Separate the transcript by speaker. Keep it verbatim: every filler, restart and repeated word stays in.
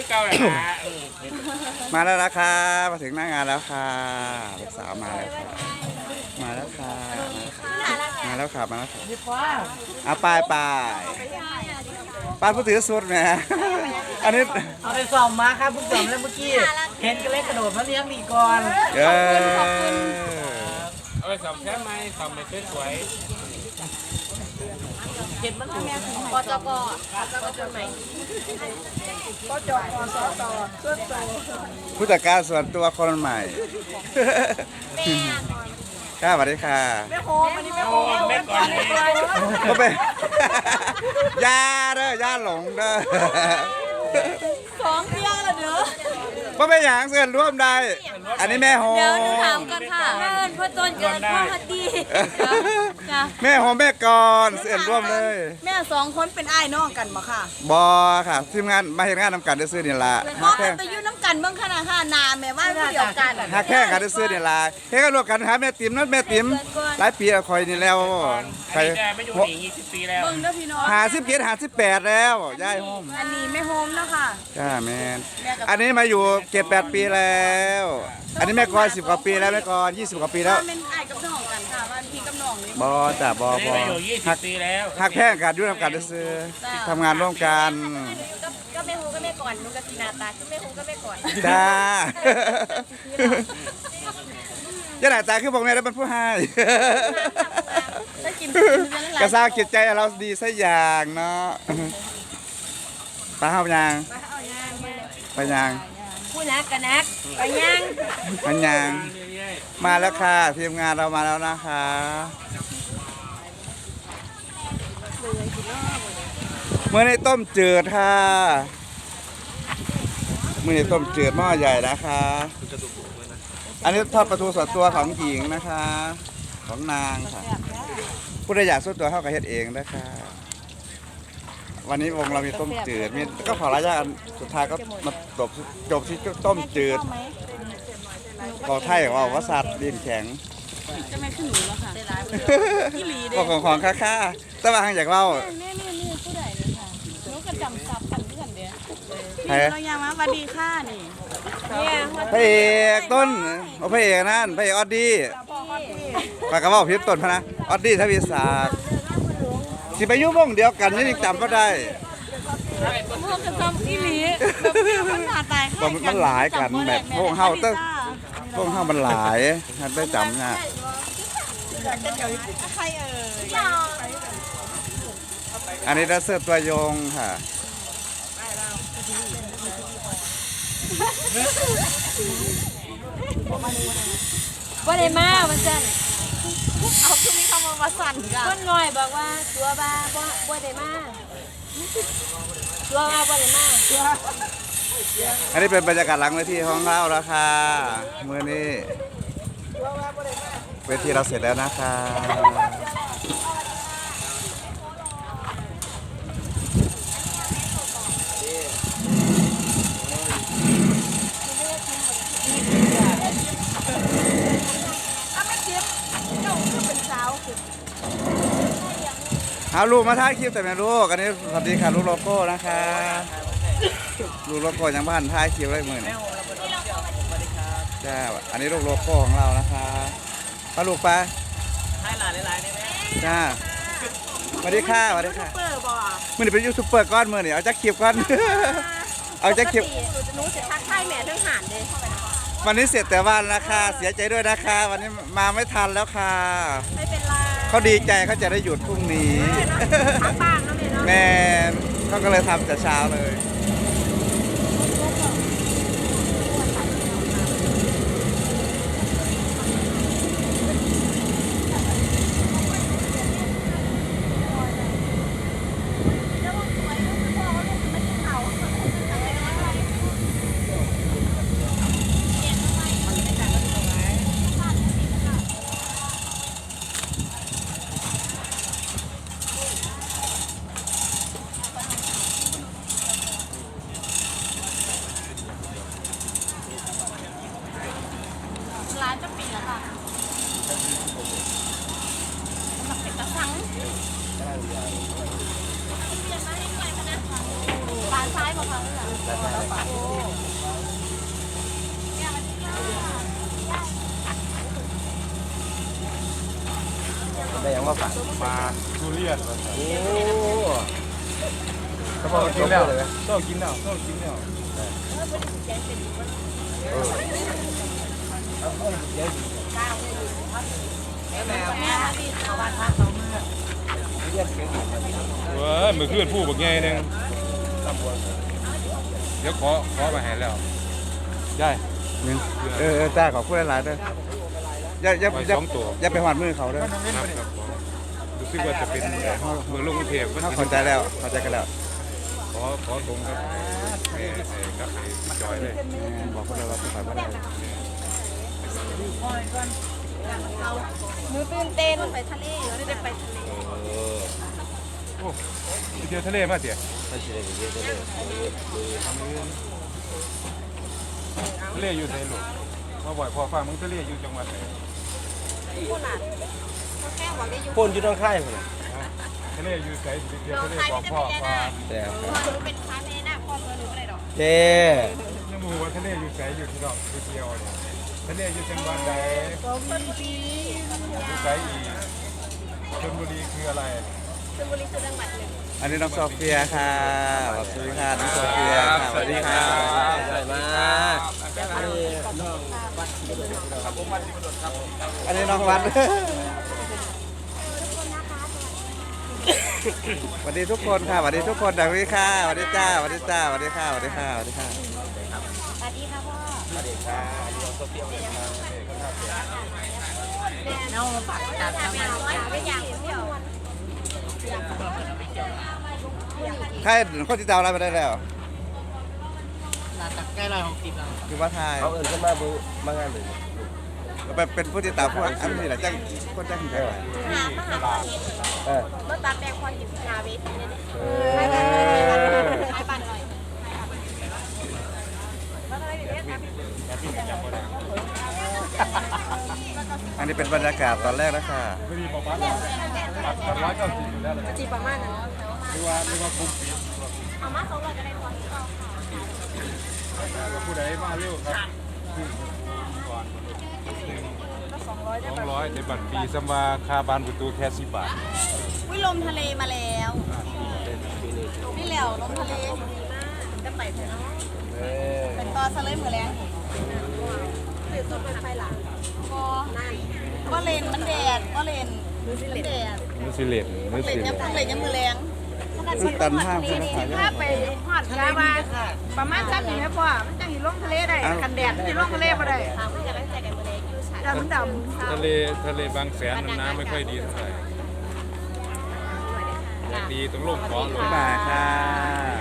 Speaker 1: เก่าแหละ
Speaker 2: มาแล้วนะครับมาถึงหน้างานแล้วค่ะลูกสาวมาแล้วค่ะมาแล้วค่ะมาแล้วค่ะมาแล้วค่ะเอาไปไปป้าผู้ถือสุดนะอันนี้
Speaker 3: เอาไปส่อมมาครับเพิ่งส่อมแล้วเมื่อกี้เห็นก็เลยกระโดดมาเลี้ยงดีก่อน
Speaker 2: เออ
Speaker 1: เอาไปสอบแค่ไหมสอบไปสวย
Speaker 3: เห็นมันถูก
Speaker 4: ปจกปจกจุดใหม่ปจกสตส่วนตัว
Speaker 2: ผู้จัดการส่วนตัวคนใหม่ค่ะสวัสดีค่ะ
Speaker 4: แม่โฮมอันนี้แม่โฮม
Speaker 1: ๆแม่ก่อนเลย
Speaker 2: ก็เป็นยาเด้อยาหลงเด้อ
Speaker 4: สองเที่ยงละเด้อ
Speaker 2: ก็ไม่อย่างเสื่อนร่วมได้ อันนี้แม่โฮม
Speaker 4: เดี๋ยวหนูถามกันค่ะเพื่อนพ่อต้นเกิดพ่อฮัตตี้จ้ะ
Speaker 2: แม่โฮมแม่กรเสื่อนร่วมเลย
Speaker 4: แม่สองคนเป็นอ้ายน้องกันบ่ค่ะ
Speaker 2: บอค่ะทีมงานมาเห็นงานนำกันได้ซื้อนี่ละ
Speaker 4: พ่อ
Speaker 2: ฮักแค่
Speaker 4: ไปยุ่น้ำกันเบิ่งขนาดค่ะนาแม่ว่าผู้เดียวกัน
Speaker 2: ฮักแค่กันได้ซื้อนี่ละเฮ้กันรวมกันหาแม่ติ๋มนั่นแม่ติ๋มหลายปีแล้วคอยนี่แล้วใคร
Speaker 1: แกไม่อยู่หนียี่สิบปีแล้ว
Speaker 4: เบิ่งเด้อพี่น้อง
Speaker 2: หาสิบเจ็ดหาสิบแปดแล้วยายโฮม
Speaker 4: อันนี้แม่โฮมเนาะค่ะ
Speaker 2: จ้าแมนอันนี้มาอยู่เจ็ดแปดปีแล้ว อันนี้แม่กรสิบกว่าปีแล้วแม่กรยี่สิบกว่าปีแล้ว
Speaker 4: ว่าเป็นอ้ายกับน้องกันค่ะว่าพี่กับน้องนี่
Speaker 2: บอจ้าบอ
Speaker 1: นี่
Speaker 2: บอ
Speaker 1: มาอยู่ยี่สิ
Speaker 2: ฮั
Speaker 1: บ
Speaker 2: ก
Speaker 1: ปีแล้ว
Speaker 2: ฮักแพงกันยุ่งกันได้ซื้อทำงานร่วมกัน
Speaker 4: ก็ก็แม่โฮก็แม่ก่อนหนูกับสีนาตาคือแม่โฮก็แม่ก่อน
Speaker 2: จ้าย่าหน้าตาคือบอกแม่แล้วเป็นผู้ให้
Speaker 4: ถ้ากิน
Speaker 2: กระซ่าจิตใจเราดีสักอย่างเนาะตาเฮายัง ไปยัง
Speaker 4: ผู้นักกันนักไปยัง
Speaker 2: มันยังมาแล้วค่ะทีมงานเรามาแล้วนะคะเมื่อในต้มจืดค่ะเมื่อในต้มจืดหม้อใหญ่นะคะ อันนี้ทอดปลาทูสดตัวของหญิงนะคะ ของนางค่ะผู้ใดอยากสู้ตัวเข้ากับเฮ็ดเองนะคะ วันนี้วงเรามีต้มจืดมีก็ขอระยะอันสุดท้ายก็มาจบจบที่ต้มจืดเขาไทยว่าว่าสัตว์ดินแข็ง
Speaker 4: จะไม่ขึ้นหนูแล้วค่ะพี่ลีเด้
Speaker 2: ก็ของของค่าๆแต่ว่าทางอยากเล่า
Speaker 4: นี่นี่นี่ผู้ใดเลยค่ะหนูก็จำซับกันเพื่อนเด้
Speaker 2: ใคร
Speaker 4: นี่เรายังมาสวัสดีค่ะนี่เนี่ย
Speaker 2: พระเอกต้นโอ้พระเอกนั่นพระเอกออดดี้ปากกระบอกพิษต้นพะนะออดดี้ทวีศักดิ์สิไปอยุ่วงเดียวกันนี่ยังจำก็ได้
Speaker 4: พวกกระซอมพี่ลีแบบเพื่อนคนหน้าตาย
Speaker 2: ว่ามันหลายกันแบบพวกเฮาเต้งพวกเฮามันหลายท่านได้จำนะ
Speaker 4: ใครเอ่ย
Speaker 2: อันนี้ดัสเซอร์ตัวยงค่ะ
Speaker 4: บ่ได้มาวันจันทร์เอาคือมีคำว่ามาสั่นกันคนน้อยบอกว่าตัวบ้าบ่บ่ได้มาตัวบ้าบ่ได้มา
Speaker 2: อันนี้เป็นบรรยากาศหลังเวทีของเราแล้วค่ะมื้อนี้เวทีเราเสร็จแล้วนะคะเอาลูกมาถ่ายคลิปแต่ไม่ลูกอันนี้สวัสดีค่ะลูกโลโก้นะคะลูกโลโก้ยังบ้านถ่ายคลิปได้หมื่นจ้าอันนี้ลูกโลโก้ของเรานะคะป้าลูกป้า
Speaker 3: ให้หลานหลานได้ไหม
Speaker 2: จ้าสวัสดีค่ะสวัสดีค่ะ
Speaker 4: เปิดบ่
Speaker 2: มือนี้เป็นยูทูบเบอร์ก้อนมือนี่เอาจักคลิปก้อน เอาจักคลิป
Speaker 4: หนูจะทักทายแม่เรื่องหานเลย
Speaker 2: วันนี้เสร็จแต่วันนะคะเสียใจด้วยนะคะ วันนี้มาไม่ทันแล้วค่ะ
Speaker 4: ไม่เป็นไร
Speaker 2: เขาดีใจเขาจะได้หยุดพรุ่งนี้
Speaker 4: พักบ้างนะแม่เนาะ
Speaker 2: แม่เขาก็เลยทำแต่เช้าเลย
Speaker 4: ร้านจะปิดแล้วค่ะมันเป็นกระสังปลาานซ้ายบอกค่ะโอ้
Speaker 3: ได้ยังมาฝาก
Speaker 1: มาทุเรียนมา
Speaker 3: โอ้
Speaker 1: เขาบอกกินแล้วโซ่กินแล้วโซ่กินแล้ว
Speaker 3: แม่แม่เขาบ้านพักเขาเมื่อเรียกเก่ง
Speaker 1: เว้ยมือขึ้นผู้บักใหญ่หนึงเดี๋ยวขอขอมาให้แล้วได้
Speaker 2: นี่เออเออจ้าขอบคุณหลายๆเด้ออย่าอย่า
Speaker 1: ไว้
Speaker 2: อย่า
Speaker 1: สองตัว
Speaker 2: อย่าไปหอดมือเขาเด้อ
Speaker 1: ครับครับรู้สึกว่าจะเป็นเมืองลงกรุงเทพ
Speaker 2: เขาเข้าใจแล้วเข้าใจกันแล้ว
Speaker 1: ขอขอตรงครับไอ้ไอ้กับไอ้จอยเลย
Speaker 2: บอกพวกเราว่าสุขภาพไม่ได้
Speaker 4: หนูตื่นเต้นไปทะเลไม่ได้ไปทะเล
Speaker 1: เออโอ้ไปเที่ยวทะเลมาเตี๋ย
Speaker 3: ไม่ใช่เยอะเลย
Speaker 1: ทะเลอยู่ไหนลูกมาบ่อยพอฟังมึงทะเลอยู่จังหวัดไหน
Speaker 4: พูดหลานแค่บอกได้อยู่
Speaker 3: คนอยู่ตรงค่ายคน
Speaker 1: ทะเลอยู่ไหนสิเที่ยวทะเลบอกพ่อว่า
Speaker 3: แต่
Speaker 4: หนูเป็นค้าแม่นาคพ่อหนูไม่ได้ดอก
Speaker 3: เจ้
Speaker 1: ยังมูว่าทะเลอยู่ไหนอยู่ที่ดอกไปเที่ยวเนี่ยทะเลอยู่จังหวัดใด
Speaker 4: ชลบุรี
Speaker 1: อยู่ไหนอีกชลบุรีคืออะไร
Speaker 4: ชลบุรีคือจังหวัดหนึ่ง
Speaker 2: อันนี้น้องโซเฟียค่ะสวัสดีค่ะน้องโซเฟียค่ะสวัสดีค่ะ
Speaker 3: ใหญ่มากอันนี้น้องวัด
Speaker 2: อันนี้น้องวัดสวัสดีทุกคนค่ะสวัสดีทุกคนสวัสดีค่ะสวัสดีจ้าสวัสดีจ้าสวัสดีค่ะสวัสดีค่ะสวัสดีค่ะ
Speaker 4: สวัสดีค่ะพ่อ
Speaker 3: สวัสดีค่ะน้องโซเฟียน้องฝากจัด
Speaker 4: ไม่เอาไม่อยากเที่ยว
Speaker 2: ใครคนที่เตาอะไรมาได้แล้ว
Speaker 3: ลาตักใกล้ลอยของติดเรา
Speaker 2: คือว่าไทย
Speaker 3: เขาเอื่นขึ้นมาบูมางานเลย
Speaker 2: ก็เป็นเป็นผู้ที่ตามพวกอันนี้แหละจ้างคนจ้างใคร
Speaker 4: หามหา
Speaker 3: เออ
Speaker 4: รถตัดแดงควันอยู่นาเวทีเนี่ย
Speaker 3: เอ
Speaker 4: ไป
Speaker 3: อ
Speaker 4: ไปไปปั่นหน่อยแล้วอะไรอยู่เนี่ย
Speaker 2: อันนี้เป็นบรรยากาศตอนแรกนะค่ะ
Speaker 1: ไม่มีบอกว่าบัตรบัตรร้อยเก้าสิบอยู่แล้วเลย
Speaker 4: จีประมาณนั้น
Speaker 1: หรือว่าหรือว่าคุ้มปี
Speaker 4: เอามาสองร้อยก็ได้พอที่เราค่ะ
Speaker 1: ผู้ใดมาเร็วครับก่อนสองร้อยในบัตรปีสมาคาบานประตูแค่สิบบาท
Speaker 4: วิลมทะเลมาแล้วนี่เหลวลมทะเลดีมากจะไปเถอะเนาะ
Speaker 3: เออ
Speaker 4: เป็นตอสเลมเหมือนแรงตื่นต้นเป็นไฟหลังก็นั่นก็เลนมันแดดก็เลนมันแดด
Speaker 1: มือสิเลตมือ
Speaker 4: เล
Speaker 1: สิ
Speaker 4: น
Speaker 1: เล
Speaker 4: ยัง
Speaker 1: ต
Speaker 4: เลนยังมือแรง
Speaker 2: ซึ่งตันห้ามใช่ไหมคะ
Speaker 5: ถ้าไปหอดกาบาประมาณชั้นนี้แม่พ่อมันจังสิลงทะเลได้กันแดดสิลงทะเลบ่ได้
Speaker 4: ถามเพื่อนกันใจกันมือแรงอยู่ฉัน
Speaker 5: ดำดำ
Speaker 1: ทะเลทะเลบางแสนน้ำไม่ค่อยดีเท่าไหร่อยากดีต้องลงเกาะลง
Speaker 2: บ๊ายบายค่ะ